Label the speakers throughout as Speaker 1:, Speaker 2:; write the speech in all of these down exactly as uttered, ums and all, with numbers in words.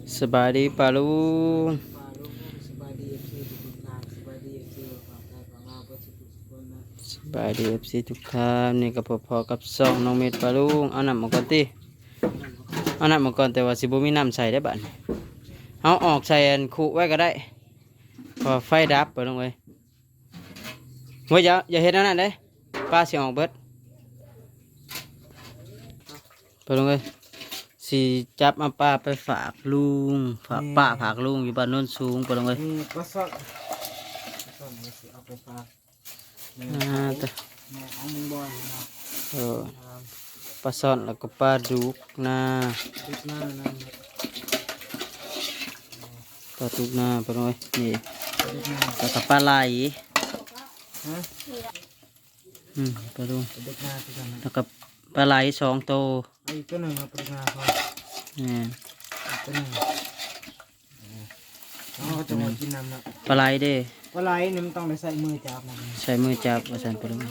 Speaker 1: สบายดีปาลุง
Speaker 2: ปลาลูกสบายดีคือทุกทางสบายดีคือฝั่งไทยฝั่งลาวเพื่อสุขสุขคนนะ
Speaker 1: สบายดีเอฟซีทุกท่านนี่ก็พอๆกับซองน้องเม็ดปาลุงเอาน้ำมาก่อนติเอาน้ำมาก่อนแต่ว่าสิบ่มีน้ำใส่ได้บัดนี้เอาออกใส่อันคุไว้ก็ได้พอไฟดับไปลงเลยเว้ยอย่าอย่าเฮ็ดอันนั้นเด้ปลาสิออกเบิดไปลงเลยสิจับมาปลาไปฝากลุงฝากป้าฝากลุงอยู่บ้านโน้นสูงไปลงเลย
Speaker 2: นี่ปลาสดปลาสดนี่สิเอาไปฝากแม่
Speaker 1: อ่าแต่
Speaker 2: แม่ของมึงบ่อยนะครับ
Speaker 1: เออปลาซ่อนแล้วก็ปลาดุกนา
Speaker 2: ติดหน้านั่น
Speaker 1: ปลาดุกนาไปเลยนี่
Speaker 2: ติดหน้า
Speaker 1: แล้วก็ปลาไหล
Speaker 2: ฮะ
Speaker 1: อืมปลาดุก
Speaker 2: ติดหน้าที่กันนะ
Speaker 1: แล้วก็ปลาไหลสองโตว
Speaker 2: ไอ้ตัวหนึ่งครับติดหน้าเขา
Speaker 1: นี่
Speaker 2: ตัวหนึ่งเขาก็จะมากินน้ำนะ
Speaker 1: ปลาไหลเด้
Speaker 2: ปลาไหลนี่มันต้องได้ใส่มือจับนะ
Speaker 1: ใช้มือจับว่าสันปลาดุก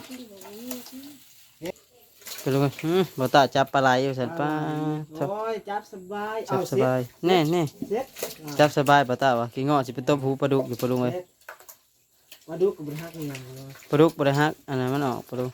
Speaker 1: ปลาดุกอืมบ่ตาจับปลาไหลอยู่สันป้าจับ
Speaker 2: โอ้ยจับสบาย
Speaker 1: จับสบายแน่แน่
Speaker 2: เซ็ต
Speaker 1: จับสบายบ่ตาวะกี่งอสิเป็นต้มหูปลาดุกอยู่ปลาดุกเลย
Speaker 2: ปลาดุกกับบริฮักนี่ยังเลย
Speaker 1: ปลาดุกบ่ได้ฮักอันนั้นมันออกปลาดุก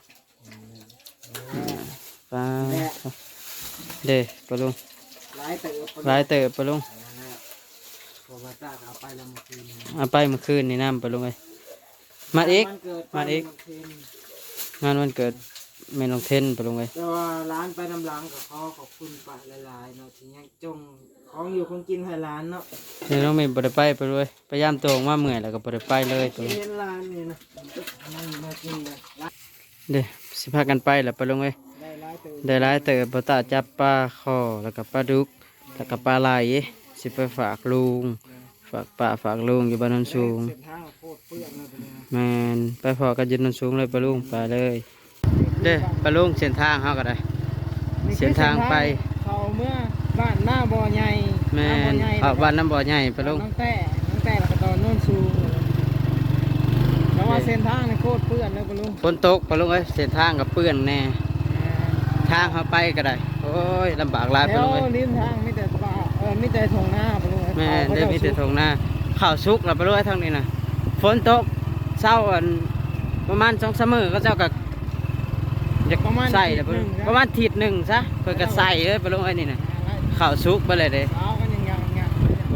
Speaker 1: ปลาเด้ปลาดุก
Speaker 2: หลายเติบ
Speaker 1: หลายเติบปลาดุก
Speaker 2: พอมาตากเอาไปแล้วมาคืน
Speaker 1: เอาไปเมื่อคืนนี่น้ำปลาดุกเลยมาอีก มาอีก งานวันเกิดแม่น้องเทนไปลงเลย
Speaker 2: แต่ว่าร้านไปน้ำล้างกับเขาขอบคุณป้าหลายๆเนาะที่ยังจงของอยู่คงกินให้ร้านเนาะ
Speaker 1: นี่น้องเมย์บไดไปไปเลยพยายามตัวออกมาเมื่อยแล้วก็บไดไปเลยไป
Speaker 2: ที่
Speaker 1: เลย
Speaker 2: เห็นร้านนี่นะนั่งมากินเลยร้าน
Speaker 1: เด้สิพากันไปแล้วไปลงเลย
Speaker 2: ได้ร้ายเติม
Speaker 1: ได้ร้ายเติบบตาจับปลาคอแล้วก็ปลาดุกแล้วก็ปลาไหลสิไปฝากลุงฝากป้าฝากลุงอยู่บ้านโนนสูง
Speaker 2: เส้นทางโคตรเปื้อนเลยเป็นไง
Speaker 1: แมนไปพอกันอยืนนนสูงเลยปลาลุงไปเลยเด้ปลาลุงเส้นทางเขาก็ได้ เส้นทางไป
Speaker 2: เขาเมื่อบ้านหน้าบ่อใหญ่
Speaker 1: แม
Speaker 2: หน้าบ่อน ใหญ่
Speaker 1: เอาบ้านน้ำบ่อใหญ่ปลาลุง
Speaker 2: น้องแต่น้องแต่แล้วก็ตอนโน่นสูงแล้วว่าเส้นทางนี่โคตรเปื้อนเลยปะลุง
Speaker 1: ฝนตกปลาลุงเอ้ยเส้นทางกับเปื้อนแน่ทางเขาไปก็ได้โอ้ยลำบากหลายป
Speaker 2: แล้
Speaker 1: ลาว ลุงเอ้ย
Speaker 2: ริมทางมีแต่ป่าเออมีแต่ทงหน้าปะลุง
Speaker 1: แม่ได้มีแต่ทงหน้าข้าวสุกแล้วไปรู้ไอ้ทางนี้นะฝนตกเศร้าอันประมาณสองสามมื้อก็เจ้าก็อยากใส่แล้วไปรู้ประมาณทีหนึ่งซะเพื่อก็ใส่เลยไปรู้ไอ้นี่นะข้าวสุกไปเลยเด้
Speaker 2: เช้ากันยังยังยัง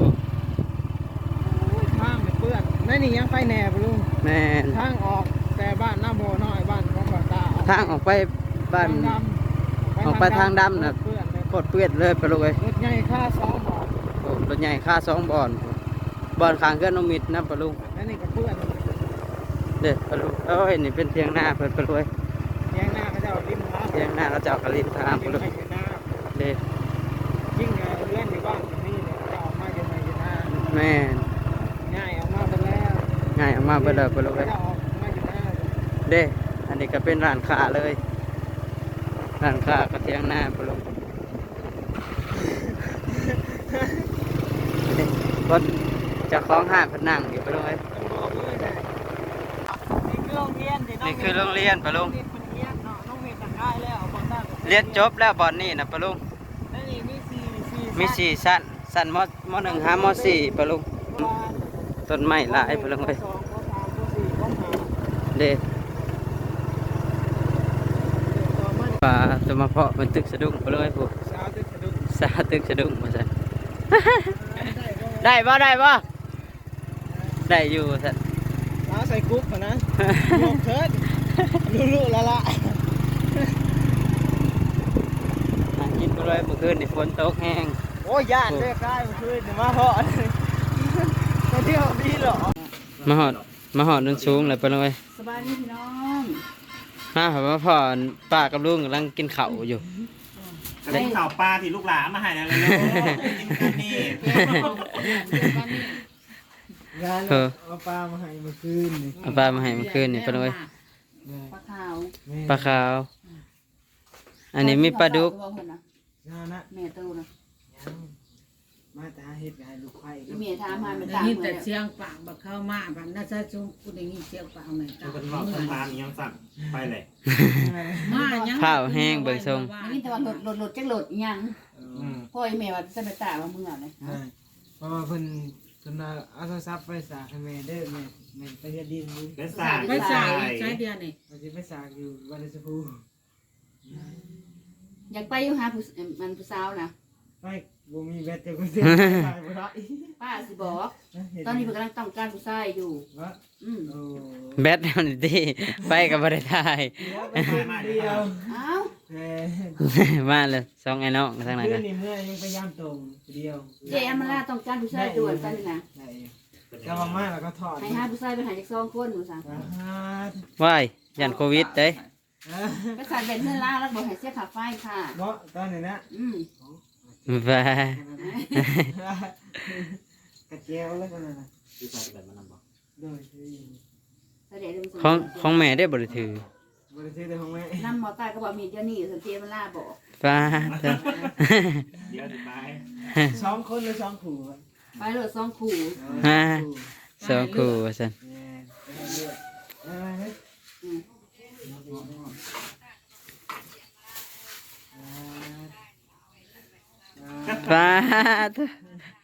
Speaker 2: ทางเนี่ยเปื้อนนั่นนี่ยังไฟแหน่ปะลุง
Speaker 1: แม่น
Speaker 2: ทางออกแต่บ้านหน้าโบน้อยบ้านของบ่อตา
Speaker 1: ทางออกไปบ้าน
Speaker 2: ทางดำ
Speaker 1: ออกไปทางดำน่ะ
Speaker 2: เปื้อนเลย
Speaker 1: โคตรเปื้อนเลยไปรู้ไอ้
Speaker 2: รถใหญ่ค่าสองบาท
Speaker 1: โอ้รถใหญ่ค่าสองบอนบอนข้างเกือนน้องมิดนะปะลุง
Speaker 2: นั่นนี่ก็เปื้อน
Speaker 1: เด้อปะลุงเอ้ยนี่เป็นเพียงหน้าเพิ่นปะลุงเอ้ย
Speaker 2: แยงหน้าก็จะเอาริมทาง
Speaker 1: เพียงหน้าเราจะเอากระลินทาง
Speaker 2: ริ
Speaker 1: ปะ
Speaker 2: ม
Speaker 1: ลุง
Speaker 2: ไปอยู่หน้า
Speaker 1: เด้อ
Speaker 2: ยิ่งเงินเลื่อนอยู่บ้านตรงนี้เนี่ยจะออกมาอยู่ในอยู่หน้า
Speaker 1: แม่น
Speaker 2: ง่ายออกมาไปแล้ว
Speaker 1: ง่ายออกมาเบิดเลยปะลุงเอ้ย
Speaker 2: จะออกมาอยู่หน้า
Speaker 1: เด้ อันนี้ก็เป็นร้านค้าเลย ร้านค้ากระเทียงหน้าปลุงรถจะคล้องห้างพนังอยู่ปลุงเอ้ย
Speaker 2: บอกเลยนะนี่คือโรงเรียนที่น้อง
Speaker 1: นี่คือโรงเรียนปลุง
Speaker 2: เรียนเรียนเนาะน้องเรียนต่างได้แล้วเอาบอลตั้ง
Speaker 1: เรียนจบแล้วบอนนี่นะปลุง
Speaker 2: นั่นนี่มีสี่สี่
Speaker 1: มีสี่ชั้นชั้นมมหนึ่งห้ามสี่ปลุงต้นไม้หลายปลุงเอ้ย
Speaker 2: สองข้อสามข้อสี่ข้อห้า
Speaker 1: เด้
Speaker 2: ต่อมา
Speaker 1: ป่าตัวมาเพาะมันตึกสะดุ้งปลุงเอ้ยผู้
Speaker 2: สาวตึกสะดุ้ง
Speaker 1: สาตึกสะดุ้งมาสั่น
Speaker 2: ได้ก็
Speaker 1: ได้บ่ได้บ่ได้อยู่สั่น
Speaker 2: สาวใส่กุ๊บก่อนนะยกเถิดลุๆละละ
Speaker 1: หากินไปเลยเมื่อคืนนี่ฝนตกแห้ง
Speaker 2: โอ้ยย่านเลือกได้เมื่อคืนเนี่ยมาเพาะไปเที่ยวดีเหรอ
Speaker 1: มาหอดมาหอดนนสูงเลยไปเลย
Speaker 3: สบายดีพี่น้อง
Speaker 1: มาผมมาพ่อป้ากับลุงกำลังกินข้าวอยู่
Speaker 4: เล่นข่าวปลาที่ลูกหลานมาให้แล้วเลยเนาะกินกันนี่
Speaker 2: งานเอาปลามาให้เมื่อคืนนี่
Speaker 1: เอาปลามาให้เมื่อคืนนี่ไปเลย
Speaker 3: ปลาขาว
Speaker 1: ปลาขาว อันนี้มีปลาดุก
Speaker 2: งานนะ
Speaker 3: แม่ตู้นะ
Speaker 2: มาตาเฮ็ดงานลูกไข่
Speaker 3: แม่ถามมามัน
Speaker 5: ได้
Speaker 3: ตาม
Speaker 5: ยิน
Speaker 3: เล
Speaker 5: แต่
Speaker 3: ย
Speaker 5: เสียงปากบักเข้ามาบัดน่าจะจุงกูได้ยินเสียงปากเหมือนกั
Speaker 4: มัน นเป็นรอบต้นตาลยังสั่นไปเลย
Speaker 5: มายัง
Speaker 1: ข้าวแห้งเบิ่งทรง
Speaker 3: นี่แต่ว่าหลดหลดหลดจักหลดยัง
Speaker 4: อืม
Speaker 3: พ่อไอ้แม่ว่าจะไปตาว่ามึงเอาเลย
Speaker 2: ราะว่าเพิ่นเพิ่นเอาเอาโทรศัพท์ไปสากให้แม่เด้อแม่แม่ไปเฮ็ดดินนี่
Speaker 4: เป็นสาย
Speaker 5: ไปสายใช้เดียวนี่
Speaker 2: มันสิไปสากอยู่บ้านสะพู
Speaker 3: อยากไปอยู่หาผู้มันผู้สาวนะ
Speaker 2: ไปบ่มีแบตแต่ก็เสียไปบ่ได้
Speaker 3: ป้าสิบอก ตอนนี้เพิ่นกำลังต้องการผู้ชายอยู่
Speaker 2: ว่า
Speaker 3: อืม
Speaker 2: โอ้
Speaker 1: แบตมันดีไปกับบ่ได้ทาย
Speaker 2: เดี๋ยวไปเพิ่นเดียว
Speaker 3: เอ้า
Speaker 2: แหม
Speaker 1: มาเลยสองไอ้น้องทางไหน
Speaker 2: เพื่
Speaker 1: กั
Speaker 2: อน นนี่เมื่อยังพยายามตรงเดียว
Speaker 3: เจอมราต้องการผู้ชายด่วนไปนี่นะ
Speaker 2: ได้จะมามาแล้วก็ถอด
Speaker 3: ให้หาผู้ชายไปหาจากสองคนหนูสั่ง
Speaker 2: อ่าฮะ
Speaker 1: ว้ายยันโควิดเด้
Speaker 3: ไปใส่เป็นเพื่อนล่าแล้วบอกให้เสียค่าไฟค่ะ
Speaker 2: เนาะตอนนี้นะ
Speaker 3: อืม
Speaker 1: ว้า
Speaker 2: กระเจียวแล้วกันนะ
Speaker 4: ที่ใส่แบบมันนำบ่
Speaker 2: โดยที่
Speaker 3: เสด็จเรื่อง
Speaker 1: ของของแม่ได้บ่ได้ถือบ
Speaker 2: ริษัทของแม่
Speaker 3: นำหมอตายก็บอกมีเดี๋ยวนี้สันเจมราบอก
Speaker 1: ฟ้าเถอะ
Speaker 4: เดี๋ยวถึงไป
Speaker 2: สองคนหรือสองขู่
Speaker 3: ไปเลยสองคู่
Speaker 1: ฮ่าสองคู่ว่าซั่น
Speaker 2: เนี่ยเลือดอะไรนะ
Speaker 3: อืม
Speaker 1: ฟ้าเถอะ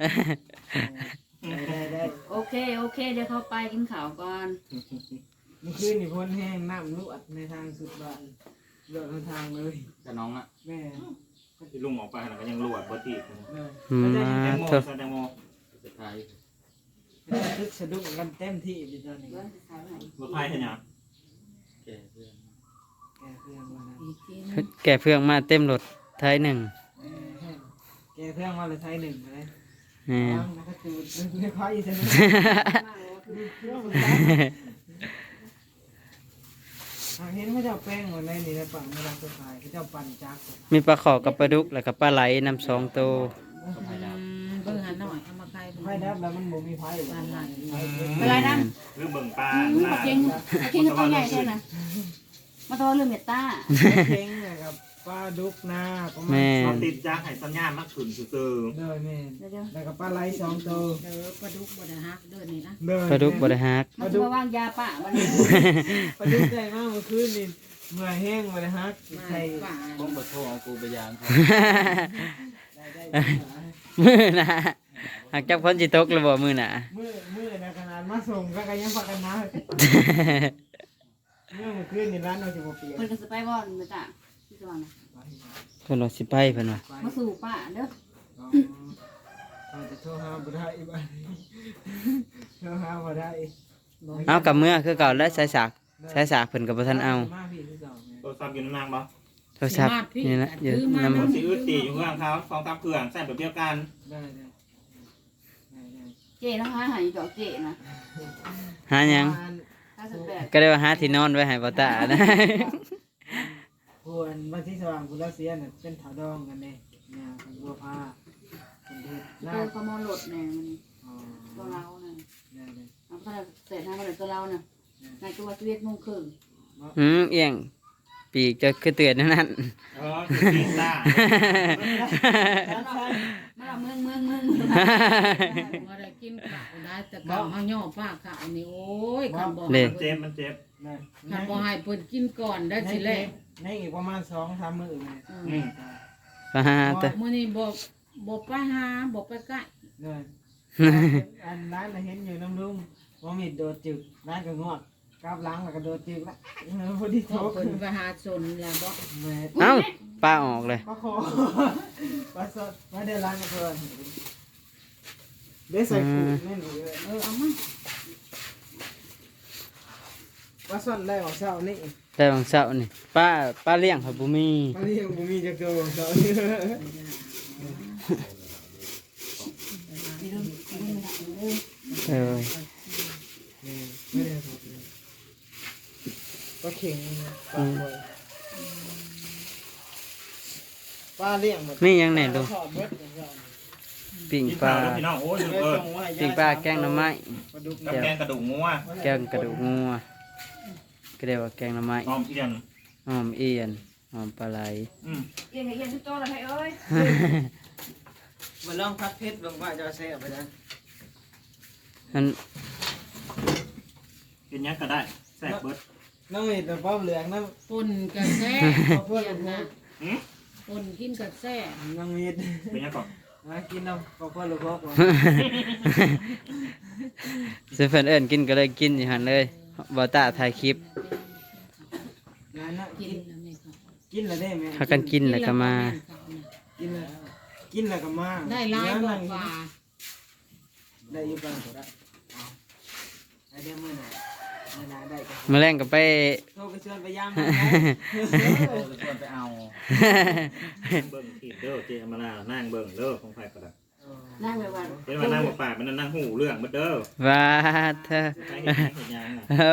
Speaker 2: ได้ได้ได้
Speaker 3: โอเคโอเคเดี๋ยวเขาไปกินข้าวก่อน
Speaker 2: เมื่อคืนนี่พ้นแห้งน้ำลวดในทางสุดบ้านลวดในทางเลย
Speaker 4: แต่น้องอ่ะ
Speaker 2: แม่
Speaker 4: ที่ลุงออกไปแล้วก็ยังรวดบ่ติด
Speaker 2: แม่
Speaker 1: อืม
Speaker 4: แตง
Speaker 1: มา
Speaker 4: โม
Speaker 1: เถอะ
Speaker 4: แตงโม
Speaker 2: ทึกสะดุ้งกันเต็มที่อยู่ตอนนี้
Speaker 3: เดี๋ยวจะขายให้
Speaker 4: รถไฟเห็นยัง
Speaker 2: แกเพื่อนมานะ
Speaker 5: อีกทีนึง
Speaker 1: แก่เพื่องมาเต็มรถไทยหนึ่ง
Speaker 2: แกเพื่อนมาเลยไทยหนึ่งเลย
Speaker 1: แหม่
Speaker 2: แล้วก็จูดไม่ค่อยใช่ไหม เห็นเขาเจ้าแป้งวันนี้ในปั่นมาลังตัวขายเขาเจ้าปั่นจักร
Speaker 1: มีปลาขอกับปลาดุกแล้วก็ปลาไหลนำสองตัว
Speaker 5: อืมเบิ่งหาหน่อยเอามาใคร
Speaker 2: ไฟดับแล้วมันบ่มีไฟ
Speaker 5: บ้านหลัง
Speaker 3: เป็นไรนั่น
Speaker 4: เรื่องเบิ่งปลา
Speaker 3: อืมมาเก่งมาเก่งก็ตัวใหญ่ใช่ไหมมาตัวเรื่องเมตตา
Speaker 2: เก่งนะครับปลาดุกนาประมาณ
Speaker 1: แม่
Speaker 4: เราติดจ้างให้สัญญาณมักขึ้นซื่อ
Speaker 2: เด้อแม่
Speaker 3: เดี๋ยวเดี๋ยว
Speaker 2: แล้วก็ปลาไหลสองตัว
Speaker 5: เด้อปลาดุกบ่ได้ฮักเด้อนี่นะ
Speaker 2: เด้อ
Speaker 1: ปลาดุกบ่ได้ฮัก
Speaker 3: มาจะมาวางยาป่ามัน
Speaker 2: ปลาดุกใหญ่มากเมื่อคืนนี่เมื่อแห้งมาเลยฮะ
Speaker 5: มา
Speaker 2: ใคร
Speaker 5: ป่า
Speaker 6: ผมบทโทรเอากูไปยามเขา
Speaker 2: ได้ได้
Speaker 1: มือหนะหากจับคนจิตกระบ่มือหนะ
Speaker 2: มือมือนะขนาดมาส่งก็ยังพักกันนะเมื่อเมื่อคืนนี่ร้านเราจะมาเปลี่ยน
Speaker 3: เพิ่นก็สไปบอลมาจ้ะที่สว่างนะ
Speaker 1: เพิ่นว่าสิไปเพิ่นว่า
Speaker 3: มาสู่ป่าเด้อ
Speaker 2: อาจจะโทรหาบ่ได้บ้านโทรหาบ่ได้
Speaker 1: เอากับเมื่อคือเก่าและสายสากสายสากเพิ่นก็บ่ทันเอา
Speaker 2: มาพี่ที่สอง
Speaker 4: ๆโทรศัพท์อยู่ในนางบ่
Speaker 1: โทรศัพท์นี่นะอยู่นำ
Speaker 4: รถสีอึดตีอยู่ข้างเขาสองสามเครื่องใส่แบบเดียวกัน
Speaker 2: ได้ได้ได้ได้
Speaker 3: เจ๊นะคะหายดอกเจ๊นะ
Speaker 1: หาหยัง
Speaker 3: ห้าสิบแปด
Speaker 1: ก็ได้ว่าหาที่นอนไว้ให้บ่ตานะ
Speaker 2: ควรบ้านที่สว่างกุลเสียเนี่ยเป็นถาวดองกันเนี่ยเนี่ยบัวพาเป็นเด็ด
Speaker 3: เอ
Speaker 2: ลา
Speaker 3: อ
Speaker 2: ด
Speaker 3: ขโมยรถเนี่ยมัน
Speaker 2: อ๋อ
Speaker 3: ตัวเราเนี่ย
Speaker 2: ได้ได้
Speaker 3: เอาไปเสร็จทำมาเลยตัวเราเนี่ยในตัวชีวิตมุ่งครึ่ง
Speaker 1: อืมเอียงปีกจะคือเตือนนั่นนั่น
Speaker 4: เออคือตีนตา
Speaker 3: มาเราเมืองเมืองเมือง
Speaker 5: บ่ได้กินข้าวได้แต่ข้าวเฮาย่อป้าข้าวนี่โอ้ยคันบ่
Speaker 1: เด้
Speaker 4: เจ็บมันเจ็บ
Speaker 2: ได้
Speaker 5: คันบ่ให้เพิ่นกินก่อนได้สิแลก
Speaker 2: ในอีกประมาณสองสามมื้อเลย
Speaker 4: อืม
Speaker 1: ปาตะ
Speaker 5: มื้อนี้บ่บ่ไปหาบ่ไปใกล้
Speaker 2: เลยอันร้านเราเห็นอยู่น้ำลุงว่ามีโดดจึกร้านก็งอดกราบหล้างแล้วก็โดดจึกละพอดี
Speaker 5: ขอ
Speaker 2: โต๊ะ
Speaker 5: เพิ่นไปหาสนแล้วบ่
Speaker 2: แม่
Speaker 1: เอ้าปลาออกเลย
Speaker 2: ปลาคอปลาสดมาเดินร้านกับเพื่อนได้ใส่ปูแม่นเลย
Speaker 5: เออเอามา
Speaker 2: ปลาสดได้ของเช้านี่
Speaker 1: แต่บางเช้านี่ป้าป้าเลี้ยงเขาบ่มี
Speaker 2: ปลาเลี้ยงบุมีจักโตเช้านี่
Speaker 3: มีเรื่องมีเรื่องมีเรื่อง
Speaker 1: เออ
Speaker 2: ไม่ได้สดเลยปลาเข่งปลาบอยปลาเลี้ยงหมด
Speaker 1: มีหยังแหน่ลูก
Speaker 2: ทอดเบิดของเช้า
Speaker 1: ปิ้ง
Speaker 4: กิน
Speaker 1: ปลา
Speaker 4: ข้าวแล้วพี่น้องโอ้ยเออ
Speaker 1: ปิ้งปลาแกงหน่อไม้
Speaker 2: ปลาดุก
Speaker 4: กับแกงกระดูกงัว
Speaker 1: แกงกระดูกงัวก็เรียกว่าแกงหน่อไม้
Speaker 4: หอมเอียน
Speaker 1: หอมเอียนหอมปลาไหล
Speaker 4: อืม
Speaker 3: เย็นเย็นทุกโต๊ะเลยเอ้ย
Speaker 2: มาลองพัดเพชรลงว่าจะแซ่บไปนะ
Speaker 1: อัน
Speaker 4: กินยังก็ได้แซ่บเบิด
Speaker 2: น้องเห็ดป้อมเหลืองน้
Speaker 5: ป่นกระแซ่
Speaker 2: ำเพื่อน
Speaker 5: เปลี่ยนนะ
Speaker 4: หืม
Speaker 5: ป่นกินกระแซ่
Speaker 2: น้องเห็ด
Speaker 4: เป็นยังก่อน
Speaker 2: มากินน้ำพ่อพ่อหรือพ่อก่อน
Speaker 1: ซื้อเพิ่นเอิ้นกินก็เลยกินอยู่หั่นเลยบ่ตาถ่ายคลิป
Speaker 2: งานน่ะ
Speaker 5: กิ
Speaker 2: กิ
Speaker 5: น
Speaker 2: น
Speaker 5: แล้วนี่ครับ
Speaker 2: กินแล้วได้ไหม
Speaker 1: พากันกินแล้วก็มา
Speaker 2: กินแล้วกินแล้วก็มา
Speaker 5: ได้หลายบอกว่า
Speaker 2: ได้อยู่บ้างก็ได้เอาไอเดียมือหน่อยมือหน่อยได้ก็
Speaker 1: มื้อแรงก็ไป
Speaker 2: โทรไปชวนไปยาม
Speaker 6: โอ้ยควรไปเอา
Speaker 4: เบิ่งทีเด้อเจมาลานั่งเบิ่งเด้อของไผก็ได้
Speaker 3: นั่งแบบว่า
Speaker 4: เป็นมานั่งบ่ปากมันนั่งหูเรื่องเบิดเด้อ
Speaker 1: ว่าเธอ
Speaker 4: ใครเห็นหยังเห็นหยังน่ะ
Speaker 1: โอ้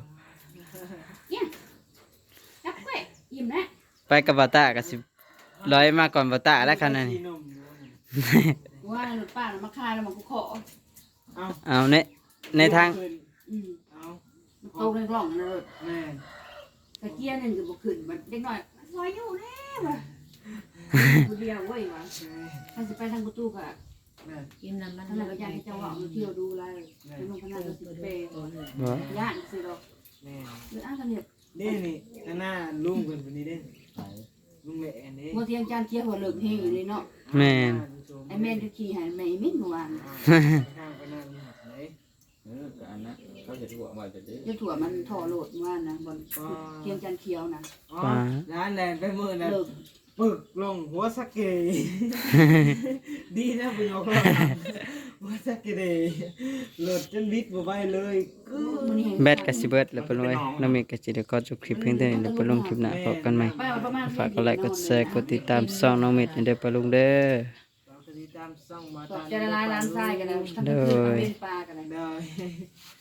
Speaker 3: จับเว้ยอิ่มนะ
Speaker 1: ไปกับบ่ตาก็สิร้อยมาก่อนบ่ตาแล้วคันนั้นนี่
Speaker 3: ว่าหลุดป้าแล้วมาคายแล้วมันก็ขอ
Speaker 2: เอา
Speaker 1: เอาในในทาง
Speaker 3: อืม
Speaker 2: เอา
Speaker 3: มันโตในกล่องนั่นเลย
Speaker 2: แม่
Speaker 3: ตะเกียร์หนึ่งก็บ่ขึ้นมันเด็กน้อยมันซอยอยู่แน่ว่ะผู้เดียวเว้ยว่ะถ้าสิไปทางประตูก็
Speaker 2: แม่
Speaker 5: กินน้ำมัน
Speaker 3: ท่านก็อยากให้เจ้าว่าเอาเที่ยวดูอะไรเป็นลงพนันก็สิเปย์
Speaker 1: บ่
Speaker 3: ย่านสิดอก
Speaker 2: แม่
Speaker 3: หรืออ้างกันเนี่ย
Speaker 2: เด้นี่ข้างหน้าลุงเพิ่นคนนี้เด้
Speaker 6: ไหน
Speaker 2: ลุงแหล่นี่
Speaker 3: บ่เที่ยงจานเกียร์หัวเหลิกเฮงอยู่เลยเนาะ
Speaker 1: แม่น
Speaker 3: ไอ้แม่นก็ขี่ให้แม่อีมิ้นเมื่อวาน
Speaker 2: ข้างไปนั่งนี่หักไหน
Speaker 6: เออก็อันนั้นเขาจะถั่วมาจะได้
Speaker 3: เจ้าถั่วมันถ่อโหลดเมื่อวานนะบนเที่ยงจานเขียวนะ
Speaker 2: อ๋อร้านแลนไปมือนะ
Speaker 3: เลิก
Speaker 2: ปึกลงหัวสักเกยดีนะบุญยกลงหัวสักเกยหลดจนวิทย์บ่ไหวเลยกึ๊
Speaker 3: มื้อนี้
Speaker 1: แบตก็สิเบิดแล้วเพิ่นว่าน้องเมฆก็สิได้ขอจบคลิปเพียงเท่านี้แล้วไปลงคลิปหน้าพบกันใหม่
Speaker 3: ไปเอาประมาณ
Speaker 1: ฝากกดไลค์กดแชร์กดติดตามช่องน้องเมฆให้เด้อปะลุงเด้อ
Speaker 2: เราจะติดตามซ่องมา
Speaker 3: ตอ
Speaker 2: ตา
Speaker 3: บ
Speaker 2: ม
Speaker 3: ใจละลายล้านทรายกันนะทั้งคืนทั้งเป็นปลากันนะ
Speaker 2: ได้